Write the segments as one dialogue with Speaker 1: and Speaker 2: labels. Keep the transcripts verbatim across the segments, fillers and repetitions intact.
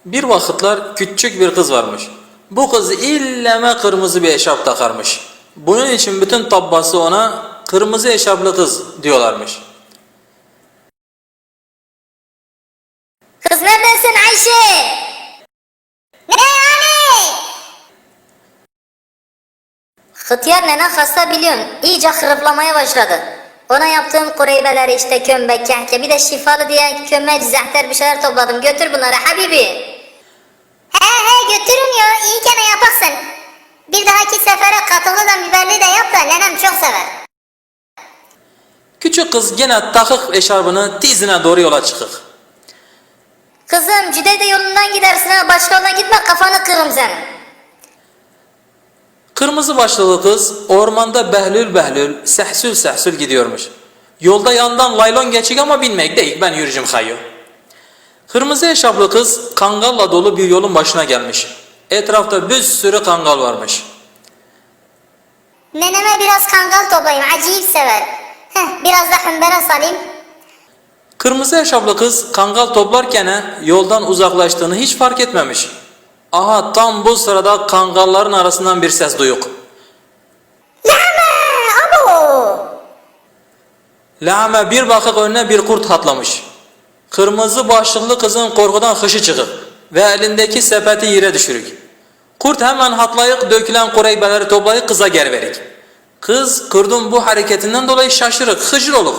Speaker 1: Bir vakitler küçük bir kız varmış. Bu kız illeme kırmızı bir eşarp takarmış. Bunun için bütün tabbası ona kırmızı eşarplı kız diyorlarmış.
Speaker 2: Kız neredesin Ayşe? Ne yani? Hıtyar nenen hasta biliyorsun. İyice hırıflamaya başladı. Ona yaptığım kureybeleri işte kömbek, kehke bir de şifalı diye kömek, zehter bir şeyler topladım. Götür bunları Habibi. He he götürün ya. İyi gene yaparsın. Bir dahaki sefere katılı da biberli de yap da nenem çok sever.
Speaker 1: Küçük kız gene takık eşarbını dizine doğru yola çıkık.
Speaker 2: Kızım Cüdeyde yolundan gidersin ha. Başka yoldan gitme kafanı kırırım senin.
Speaker 1: Kırmızı başlıklı kız ormanda behlül behlül, sehsül sehsül gidiyormuş. Yolda yandan laylon geçik ama binmek değil, ben yürüyeceğim hayyo. Kırmızı eşarplı kız kangalla dolu bir yolun başına gelmiş. Etrafta bir sürü kangal varmış.
Speaker 2: Neneme biraz kangal toplayayım. Acayip sever. Heh, biraz da hümbere salayım.
Speaker 1: Kırmızı eşarplı kız kangal toplarken yoldan uzaklaştığını hiç fark etmemiş. Aha tam bu sırada kangalların arasından bir ses duyuk.
Speaker 2: Lama! Abo!
Speaker 1: Lame bir bakık önüne bir kurt atlamış. Kırmızı başlıklı kızın korkudan hışı çıkıp ve elindeki sepeti yere düşürük. Kurt hemen hatlayıp dökülen kureybeleri toplayıp kıza geri verik. Kız kurdun bu hareketinden dolayı şaşırık, hıcır olur.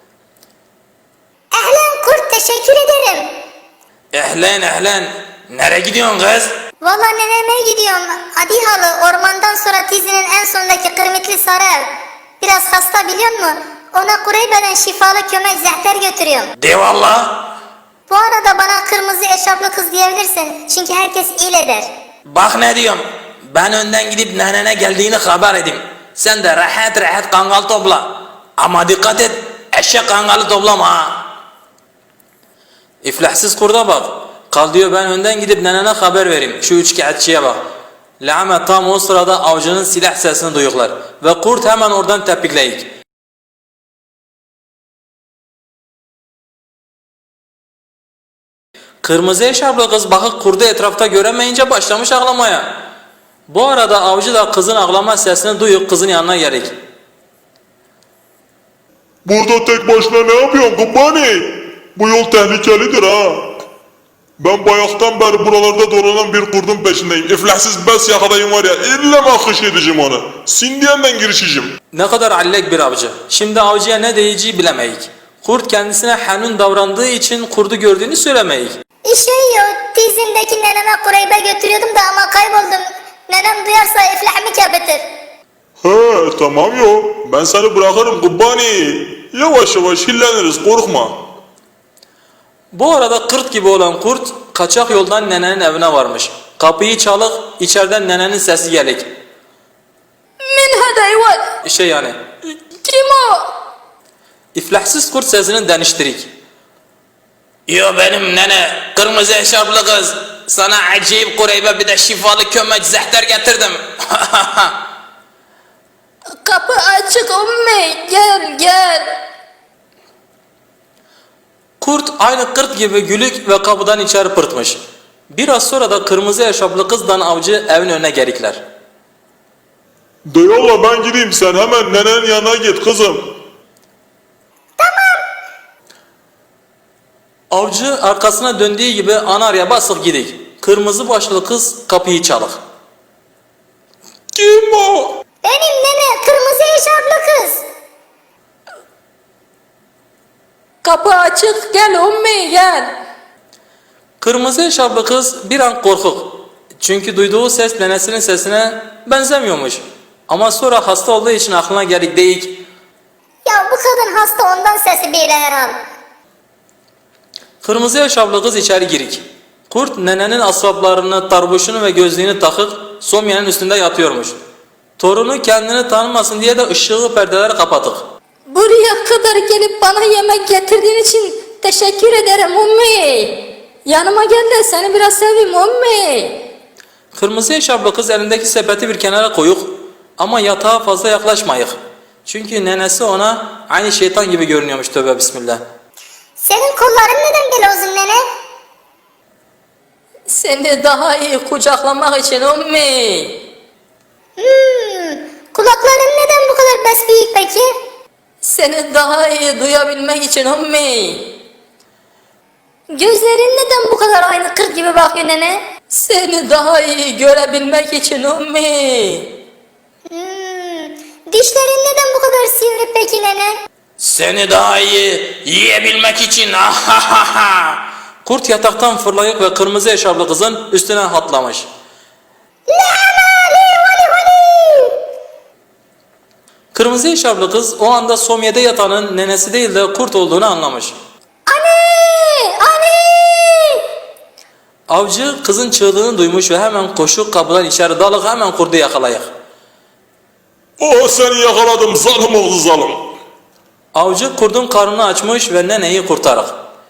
Speaker 2: Ehlen kurt teşekkür ederim.
Speaker 1: Ehlen ehlen, nereye gidiyorsun kız?
Speaker 2: Vallahi neneme gidiyorum. Adi halı ormandan sonra tizinin en sondaki kırmitli sarı ev. Biraz hasta biliyor musun? Ona kureybeden şifalı kömek zehter götürüyorum.
Speaker 1: De valla.
Speaker 2: Bu arada bana kırmızı eşarplı kız diyebilirsin. Çünkü herkes il eder.
Speaker 1: Bak ne diyorum, ben önden gidip nenene geldiğini haber edeyim. Sen de rahat rahat kangal topla. Ama dikkat et, eşek kangalı toplama ha. İflahsız kurda bak. Kal diyor ben önden gidip nenene haber vereyim. Şu üçkağıtçıya bak. Lame tam o sırada avcının silah sesini duyuklar. Ve kurt hemen oradan tepikleyik. Kırmızı eşarplı kız bakıp kurdu etrafta göremeyince başlamış ağlamaya. Bu arada avcı da kızın ağlama sesini duyup kızın yanına gelik.
Speaker 3: Burada tek başına ne yapıyorsun kubbani? Bu yol tehlikelidir ha. Ben bayaktan beri buralarda dolanan bir kurdun peşindeyim. İflahsız bes yakalayayım var ya, illa mahkış edeceğim onu. Sindiyenden girişeceğim.
Speaker 1: Ne kadar allek bir avcı. Şimdi avcıya ne diyeceği bilemeyik. Kurt kendisine hanun davrandığı için kurdu gördüğünü söylemeyik.
Speaker 2: İşe yok. Tizimdeki neneme kureybe götürüyordum da ama kayboldum. Nenem duyarsa iflahımı kebetir.
Speaker 3: He tamam yo. Ben seni bırakırım kubbani. Yavaş yavaş hilleniriz korkma.
Speaker 1: Bu arada kırt gibi olan kurt kaçak yoldan nenenin evine varmış. Kapıyı çalık, içeriden nenenin sesi gelik.
Speaker 4: من هذا الواد؟
Speaker 1: Şey yani,
Speaker 4: Kim o?
Speaker 1: iflahsız kurt sesini deniştirik. Yo benim nene, kırmızı eşarplı kız. Sana acayip kureybe bir de şifalı kömeç zehter getirdim.
Speaker 4: Kapı açık ummi. Gel gel.
Speaker 1: Kurt aynı kırt gibi gülük ve kapıdan içeri pırtmış. Biraz sonra da kırmızı eşarplı kızdan avcı evin önüne gerikler.
Speaker 3: De yolla ben gideyim, sen hemen nenenin yanına git kızım.
Speaker 1: Avcı arkasına döndüğü gibi anarya basıp gidik. Kırmızı başlı kız kapıyı çalık.
Speaker 3: Kim o?
Speaker 2: Benim nene kırmızı eşarplı kız.
Speaker 4: Kapı açık. Gel ummi gel.
Speaker 1: Kırmızı eşarplı kız bir an korkuk. Çünkü duyduğu ses nenesinin sesine benzemiyormuş. Ama sonra hasta olduğu için aklına gelik deyik.
Speaker 2: Ya bu kadın hasta ondan sesi böyle herhal.
Speaker 1: Kırmızı eşarplı kız içeri girik. Kurt nenenin asbaplarını, tarbuşunu ve gözlüğünü takıp somyanın üstünde yatıyormuş. Torunu kendini tanımasın diye de ışığı perdeleri kapatık.
Speaker 4: Buraya kadar gelip bana yemek getirdiğin için teşekkür ederim ummi. Yanıma gel de seni biraz seveyim ummi.
Speaker 1: Kırmızı eşarplı kız elindeki sepeti bir kenara koyuk ama yatağa fazla yaklaşmayık. Çünkü nenesi ona aynı şeytan gibi görünüyormuş, tövbe bismillah.
Speaker 2: Senin kolların neden böyle uzun nene?
Speaker 4: Seni daha iyi kucaklamak için ummi.
Speaker 2: Hmm, kulakların neden bu kadar bes büyük peki?
Speaker 4: Seni daha iyi duyabilmek için ummi. Gözlerin neden bu kadar aynı kırk gibi bakıyor nene? Seni daha iyi görebilmek için ummi.
Speaker 2: Hmm, dişlerin neden bu kadar sivri peki nene?
Speaker 1: Seni daha iyi yiyebilmek için. Kurt yataktan fırlayıp ve kırmızı eşarplı kızın üstüne atlamış. Kırmızı eşarplı kız o anda somyede yatanın nenesi değil de kurt olduğunu anlamış.
Speaker 4: Anne! Anne!
Speaker 1: Avcı kızın çığlığını duymuş ve hemen koşup kapıdan içeri dalıp hemen kurdu yakalayık.
Speaker 3: Oh seni yakaladım zalim oğlu zalim.
Speaker 1: Avcı kurdun karnını açmış ve neneyi kurtarık.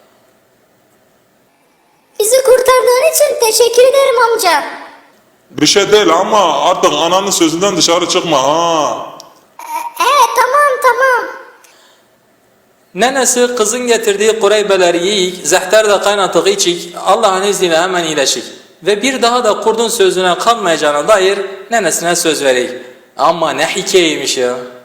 Speaker 2: Bizi kurtardığın için teşekkür ederim amca.
Speaker 3: Bir şey değil ama artık ananın sözünden dışarı çıkma ha.
Speaker 2: Ee tamam tamam.
Speaker 1: Nenesi kızın getirdiği kureybeleri yiyik, zehter de kaynatık içik, Allah'ın izniyle hemen iyileşik. Ve bir daha da kurdun sözüne kalmayacağına dair nenesine söz vereyim. Ama ne hikayeymiş ya.